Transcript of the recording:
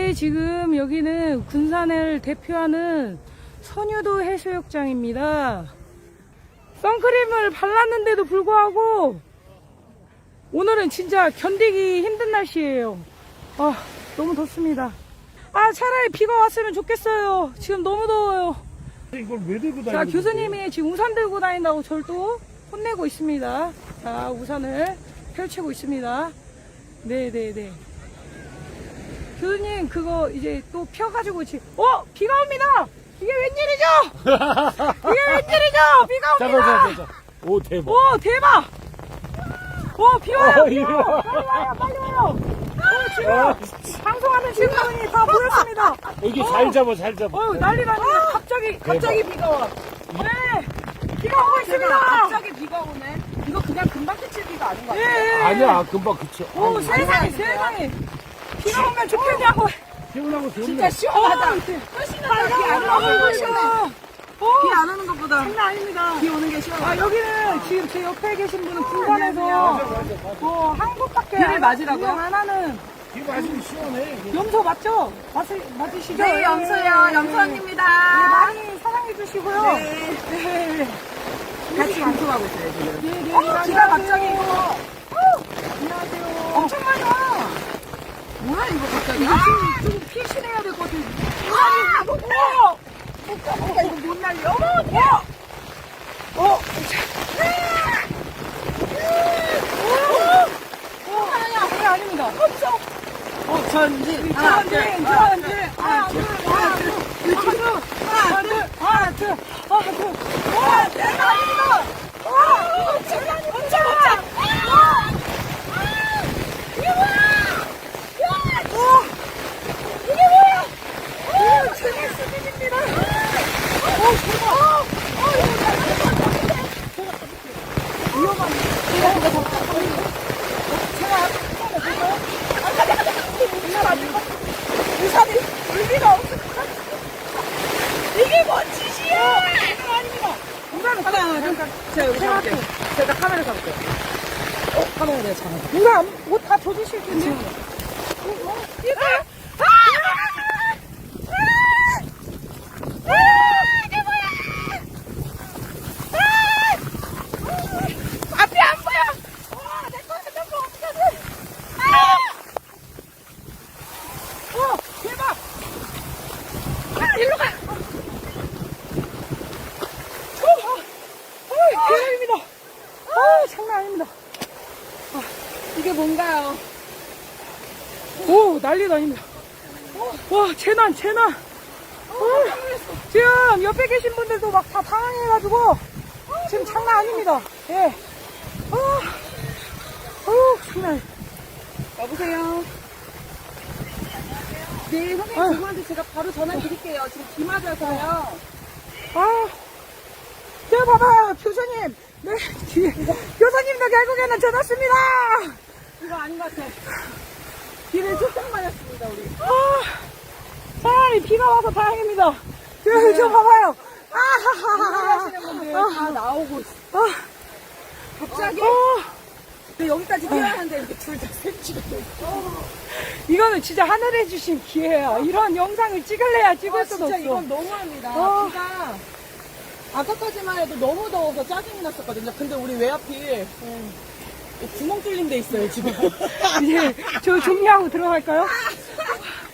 네, 지금 여기는 군산을 대표하는 선유도 해수욕장입니다. 선크림을 발랐는데도 불구하고 오늘은 진짜 견디기 힘든 날씨예요. 너무 덥습니다. 차라리 비가 왔으면 좋겠어요. 지금 너무 더워요. 이걸 왜 들고 다니는 자, 교수님이 지금 우산 들고 다닌다고 저를 또 혼내고 있습니다. 자, 우산을 펼치고 있습니다. 네네네. 교수님, 그거 이제 또 펴가지고 비가 옵니다! 이게 웬일이죠? 이게 웬일이죠? 비가 옵니다! 자. 오, 대박. 오, 대박! 비 와요! 이리 와. 빨리 와요! 지금 방송하는 친구들이 다 모였습니다. 여기 잘 잡아, 잘 잡아. 난리 납니다. 갑자기 비가 와. 네! 비가 오고 있습니다! 갑자기 비가 오네. 이거 그냥 금방 그칠 비가 아닌 것 같아요. 예. 아니야, 금방 그쳐. 오, 세상에. 비가 오면 좋겠냐고. 시원하고 좋네. 진짜 시원하다. 훨씬 낫다. 비안 오는 거 시원해. 비 안 오는 것보다 장난 아닙니다. 비 오는 게 시원하다. 여기는 지금 제 옆에 계신 분은 군산에서 한국밖에 비를 맞으라고요? 운영 안 하는 비 맞으면 시원해. 염소 맞죠? 맞으시죠? 네, 염소요. 염소 네, 언니입니다. 많이 사랑해 주시고요. 네. 같이 방송하고 있어요, 지금. 네, 비가 갑자기. 안녕하세요. 엄청 많이 와. 뭐야, 이거 갑자기. 좀 피신해야 될 것 같아요. 이거 못 날려. 그게 아닙니다. 전진. 하나, 둘. 대박 아닙니다. 이게 뭔 짓이야! 아닙니다. 제가 카메라 잡을게요. 카메라 내가 잡아. 누가 옷 다 젖으실 텐데. 이거 이게 뭐야? 앞이 안 보여. 내 거는 너무 어떻게 돼? 대박. 일로 가. 대박입니다. 장난 아닙니다. 이게 뭔가요? 오, 난리도 아닙니다. 와, 재난. 지금 옆에 계신 분들도 막 다 당황해가지고, 지금 장난 아닙니다. 예. 장난. 여보세요? 네, 선생님, 그분한테 제가 바로 전화 드릴게요. 지금 비 맞아서요. 제가 봐봐요, 교수님. 네, 교수님도 결국에는 젖었습니다. 이거 아닌 것 같아. 비를 조금 맞았습니다, 우리. 차라리 비가 와서 다행입니다. 저 봐봐요. 하시는 분들 다 나오고 있어. 갑자기? 근데 여기까지 뛰어야 하는데 이렇게 둘 다 셋치고 이거는 진짜 하늘에 주신 기회야. 이런 영상을 찍을래야 찍을 수도 진짜 없어. 이건 너무합니다. 비가 아까까지만 해도 너무 더워서 짜증이 났었거든요. 근데 우리 왜 하필 구멍 뚫린 데 있어요, 지금. 이제 저 정리하고 들어갈까요?